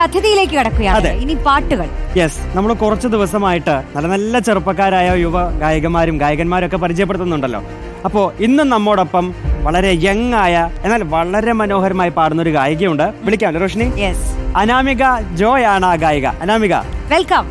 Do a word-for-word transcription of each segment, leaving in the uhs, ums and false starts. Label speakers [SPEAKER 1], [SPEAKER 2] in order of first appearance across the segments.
[SPEAKER 1] അതിഥിയിലേക്ക് കടക്കുകയാണ് ഇനി പാട്ടുകൾ.
[SPEAKER 2] യെസ്, നമ്മൾ കുറച്ച് ദിവസമായിട്ട് നല്ല നല്ല ചെറുപ്പക്കാരായ യുവ ഗായകന്മാരും ഗായകന്മാരും ഒക്കെ പരിചയപ്പെടുത്തുന്നുണ്ടല്ലോ. അപ്പോൾ ഇന്നും നമ്മോടൊപ്പം വളരെ യങ് ആയ എന്നാൽ വളരെ മനോഹരമായി പാടുന്ന ഒരു ഗായികയുണ്ട്. വിളിക്കാം റോഷിനി.
[SPEAKER 1] യെസ്,
[SPEAKER 2] അനാമിക ജോയ് ആണ് ആ ഗായിക. അനാമിക,
[SPEAKER 1] വെൽക്കം.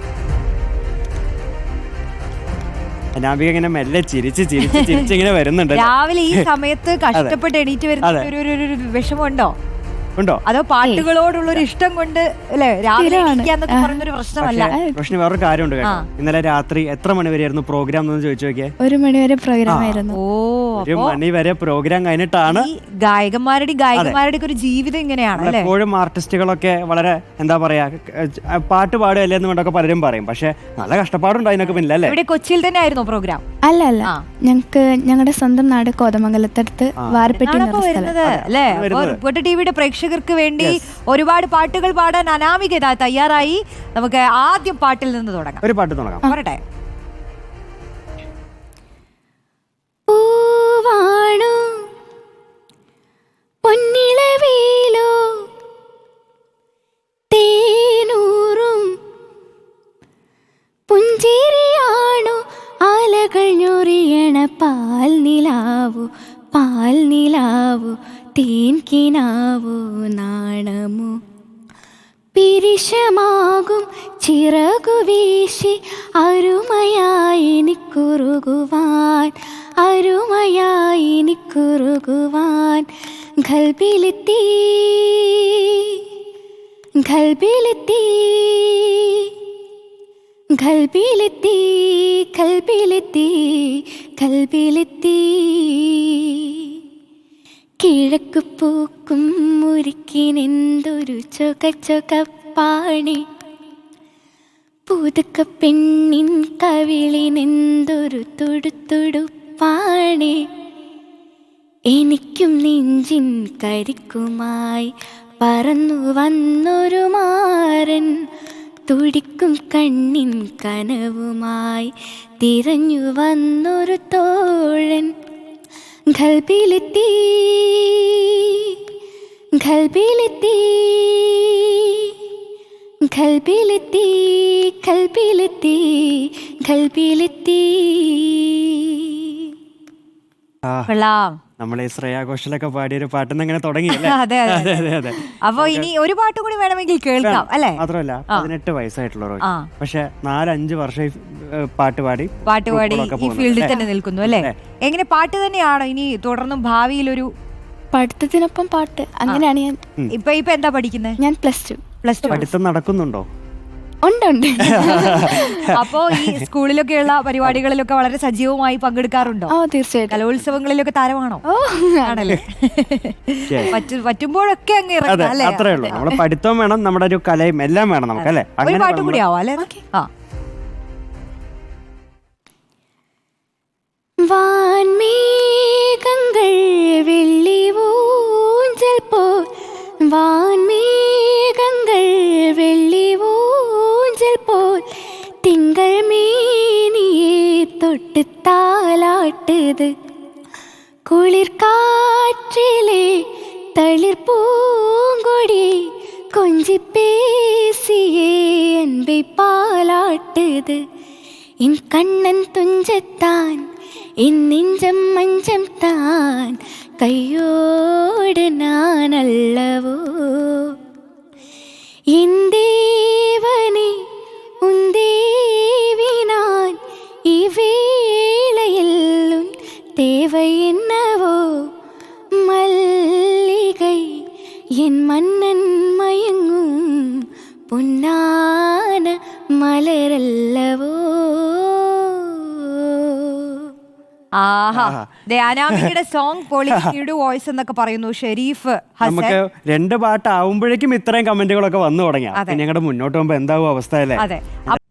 [SPEAKER 2] അനാമിക ഇങ്ങനെ മെല്ലെ ചിരിച്ച് ചിരിച്ച് ചിരിച്ച് ഇങ്ങനെ വരുന്നുണ്ട്.
[SPEAKER 1] രാവിലെ ഈ സമയത്ത് കഷ്ടപ്പെട്ട് എണീറ്റ് വരുന്ന ഒരു ഒരു വിഷമമുണ്ടോ?
[SPEAKER 2] ഉണ്ടോ?
[SPEAKER 1] അതോ പാട്ടുകളോടുള്ള ഒരു ഇഷ്ടം കൊണ്ട് അല്ലേ രാവിലെ എണീക്കാന്നൊക്കെ പറഞ്ഞൊരു പ്രശ്നമല്ല.
[SPEAKER 2] റോഷിനി, വേറൊരു കാര്യമുണ്ട് കേട്ടോ. ഇന്നലെ രാത്രി എത്ര മണി വരെയായിരുന്നു പ്രോഗ്രാം എന്ന് ചോദിച്ചു നോക്കിയേ.
[SPEAKER 3] ഒരു മണിവരെ പ്രോഗ്രാം ആയിരുന്നു.
[SPEAKER 1] ഓ,
[SPEAKER 2] ഒരു മണി വരെ പ്രോഗ്രാം കഴിഞ്ഞിട്ടാണ്.
[SPEAKER 1] ഗായകന്മാരുടെ ഗായകന്മാരുടെ ഒരു ജീവിതം ഇങ്ങനെയാണ്.
[SPEAKER 2] എപ്പോഴും ആർട്ടിസ്റ്റുകളൊക്കെ വളരെ എന്താ പറയാ പാട്ട് പാടുകയല്ലേ എന്ന് വേണ്ടൊക്കെ പലരും പറയും. പക്ഷെ നല്ല കഷ്ടപ്പാടുണ്ട് അതിനൊക്കെ പിന്നിൽ അല്ലേ.
[SPEAKER 1] ഇവിടെ കൊച്ചിയിൽ തന്നെ ആയിരുന്നു പ്രോഗ്രാം?
[SPEAKER 3] അല്ല അല്ല, ഞങ്ങക്ക് ഞങ്ങളുടെ സ്വന്തം നാട് കോതമംഗലത്തടുത്ത് വാരപ്പെട്ടി
[SPEAKER 1] അല്ലേ. ടിവിയുടെ പ്രേക്ഷകർക്ക് വേണ്ടി ഒരുപാട് പാട്ടുകൾ പാടാൻ അനാമിക ഇതാ തയ്യാറായി. നമുക്ക് ആദ്യം പാട്ടിൽ നിന്ന് തുടങ്ങാം.
[SPEAKER 2] ഒരു പാട്ട് തുടങ്ങാം.
[SPEAKER 1] പറട്ടെ.
[SPEAKER 3] പൂവാണു പൊന്നിളവേലോ തേനൂറും പുഞ്ചിരിയാണു ആലകൾ ഞൊറിയണ പാൽ നിലാവു പാൽ നിലാവു തേൻ കിനാവു നാണമു പിരിശമാകും ചിറകു വീശി അരുമയായി നിക്കുറുകുവാൻ അരുമയായി നിക്കുറുകുവാൻ ഖൽബിലെത്തി ഖൽബിലെത്തി ഖൽബിലെത്തി ഖൽബിലെത്തി ഖൽബിലെത്തി കിഴക്ക് പൂക്കും മുരിക്കിനെന്തൊരു ചൊകച്ചൊകപ്പാണി പുതുക്ക പെണ്ണിൻ കവിളിനെന്തൊരു തുടുത്തുടുപ്പാണി എനിക്കും നെഞ്ചിൻ കരിക്കുമായി പറന്നു വന്നൊരു മാരൻ തുടിക്കും കണ്ണിൻ കനവുമായി തിരഞ്ഞു വന്നൊരു തോഴൻ ഖൽബിലെത്തി ഖൽബിലെത്തി ഖൽബിലെത്തി ഖൽബിലെത്തി ഖൽബിലെത്തി.
[SPEAKER 2] നമ്മളെ ശ്രേയ ഘോഷലൊക്കെ പാടിയൊരു പാട്ടെന്ന് അങ്ങനെ തുടങ്ങിയല്ലേ.
[SPEAKER 1] അതെ അതെ അതെ. അപ്പൊ ഇനി ഒരു പാട്ട് കൂടി വേണമെങ്കിൽ കേൾക്കാം അല്ലേ.
[SPEAKER 2] മാത്രമല്ല പതിനെട്ട് വയസ്സായിട്ടുള്ള പക്ഷെ നാലഞ്ച് വർഷം പാട്ട് പാടി
[SPEAKER 1] പാട്ട് പാടി ഈ ഫീൽഡിൽ തന്നെ നിൽക്കുന്നു അല്ലേ. എങ്ങനെ പാട്ട് തന്നെയാണോ ഇനി തുടർന്നും ഭാവിയിൽ ഒരു
[SPEAKER 3] പഠിത്തത്തിനൊപ്പം പാട്ട് അങ്ങനെയാണ് ഞാൻ.
[SPEAKER 1] ഇപ്പൊ ഇപ്പൊ എന്താ പഠിക്കുന്നത്?
[SPEAKER 3] ഞാൻ പ്ലസ് ടു
[SPEAKER 2] പ്ലസ് ടു പഠിത്തം നടക്കുന്നുണ്ടോ?
[SPEAKER 3] ഉണ്ട്.
[SPEAKER 1] അപ്പോ ഈ സ്കൂളിലൊക്കെയുള്ള പരിപാടികളിലൊക്കെ വളരെ സജീവമായി പങ്കെടുക്കാറുണ്ടോ?
[SPEAKER 3] ഓ തീർച്ചയായും.
[SPEAKER 1] കലോത്സവങ്ങളിലൊക്കെ താരമാണോ?
[SPEAKER 3] ഓ
[SPEAKER 1] ആണല്ലേ. പറ്റുമ്പോഴൊക്കെ അങ്ങ് ഇറങ്ങാം അല്ലേ.
[SPEAKER 2] അത്രേ ഉള്ളൂ. നമ്മുടെ പഠിത്തം വേണം, നമ്മുടെ ഒരു കലയും എല്ലാം വേണം നമുക്ക് അല്ലേ.
[SPEAKER 1] ഒരു പാട്ട് കൂടി ആവാം അല്ലേ. ആ
[SPEAKER 3] വാൻമേഘങ്ങൾ വെള്ളി ഊഞ്ചൽ പോൽ വാൻമേഘങ്ങൾ വെള്ളി ഊഞ്ചൽ പോൽ തിങ്കൾ മേനിയെ തൊട്ട് താലാട്ടുത് കുളിർ കാറ്റിലെ തളിർ പൂങ്കൊടി കൊഞ്ചി പേസിയെ അൻപை പാലാട്ടുത് എൻ കണ്ണൻ തുഞ്ചത്താൻ എൻ നെഞ്ചം മഞ്ചം താൻ കയ്യോട് നാനല്ലവോ എൻ ദേവനെ ഉൻ ദേവി நான் இவ்வேளையில் தேவை என்னவோ மல்லிகை என் மன்னன் மயங்கும் பொன்னான மலரல்லவோ.
[SPEAKER 1] ആഹാ, അനാമികയുടെ സോങ് പൊളിയുടെ വോയിസ് എന്നൊക്കെ പറയുന്നു ഷെരീഫ് ഹസൻ.
[SPEAKER 2] നമുക്ക് രണ്ട് പാട്ട് ആവുമ്പോഴേക്കും ഇത്രയും കമന്റുകളൊക്കെ വന്നു തുടങ്ങി. ഞങ്ങളുടെ മുന്നോട്ട് പോകുമ്പോ എന്താവും അവസ്ഥ അല്ലേ.
[SPEAKER 1] അതെ.